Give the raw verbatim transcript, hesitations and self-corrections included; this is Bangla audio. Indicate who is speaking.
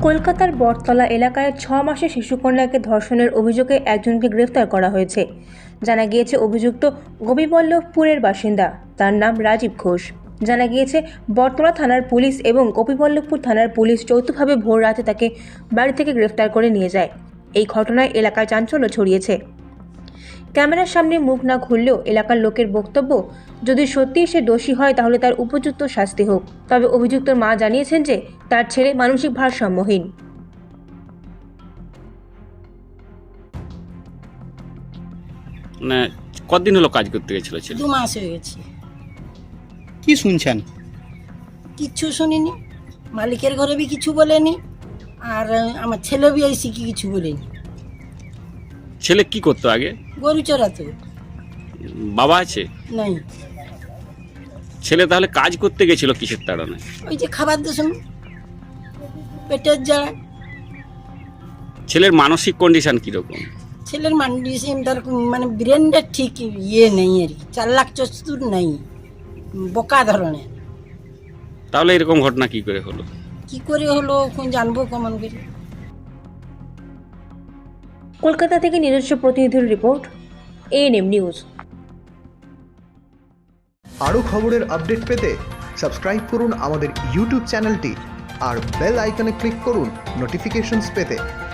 Speaker 1: কলকাতার বটতলা এলাকায় ছ মাসের শিশুকন্যাকে ধর্ষণের অভিযোগে একজনকে গ্রেফতার করা হয়েছে। জানা গিয়েছে অভিযুক্ত গোপীবল্লভপুরের বাসিন্দা, তার নাম রাজীব ঘোষ। জানা গিয়েছে বটতলা থানার পুলিশ এবং গোপীবল্লভপুর থানার পুলিশ যৌথভাবে ভোর রাতে তাকে বাড়ি থেকে গ্রেফতার করে নিয়ে যায়। এই ঘটনায় এলাকায় চাঞ্চল্য ছড়িয়েছে। ক্যামেরার সামনে মুখ না খুললেও এলাকার লোকের বক্তব্য, যদি সত্যিই সে দোষী হয় তাহলে তার উপযুক্ত শাস্তি হোক। তবে অভিযুক্তর মা জানিয়েছেন যে তার ছেলে মানসিক ভারসাম্যহীন।
Speaker 2: মানে কতদিন হলো কাজ করতে গেছিল ছেলে?
Speaker 3: দু মাস হয়ে গেছে।
Speaker 4: কি শুনছেন?
Speaker 3: কিচ্ছু শুনিনি, মালিকের ঘরে বি কিছু বলেনি, আর আমার ছেলে বি এসে কি কিছু বলেনি।
Speaker 2: ছেলে কি করতো আগে?
Speaker 3: গরু চড়াতো।
Speaker 2: বাবা আছে?
Speaker 3: নাই।
Speaker 2: ছেলে তাহলে কাজ করতে গেছিল কিসের তাড়না?
Speaker 3: ওই যে খাবার দূষণ, পেটের জ্বালা।
Speaker 2: ছেলের মানসিক কন্ডিশন কিরকম?
Speaker 3: ছেলের মানসিক তার মানে ব্রেনটা ঠিক ইয়ে নেই আর কি, চার লাখ চতুর নেই, বোকা ধরনের।
Speaker 2: তাহলে এরকম ঘটনা কি করে হলো?
Speaker 3: কি করে হলো এখন জানবো কেমন করে।
Speaker 1: কলকাতা থেকে নিজস্ব প্রতিনিধির রিপোর্ট, এএনএম নিউজ।
Speaker 5: আরও খবরের আপডেট পেতে সাবস্ক্রাইব করুন আমাদের ইউটিউব চ্যানেলটি আর বেল আইকনে ক্লিক করুন নোটিফিকেশনস পেতে।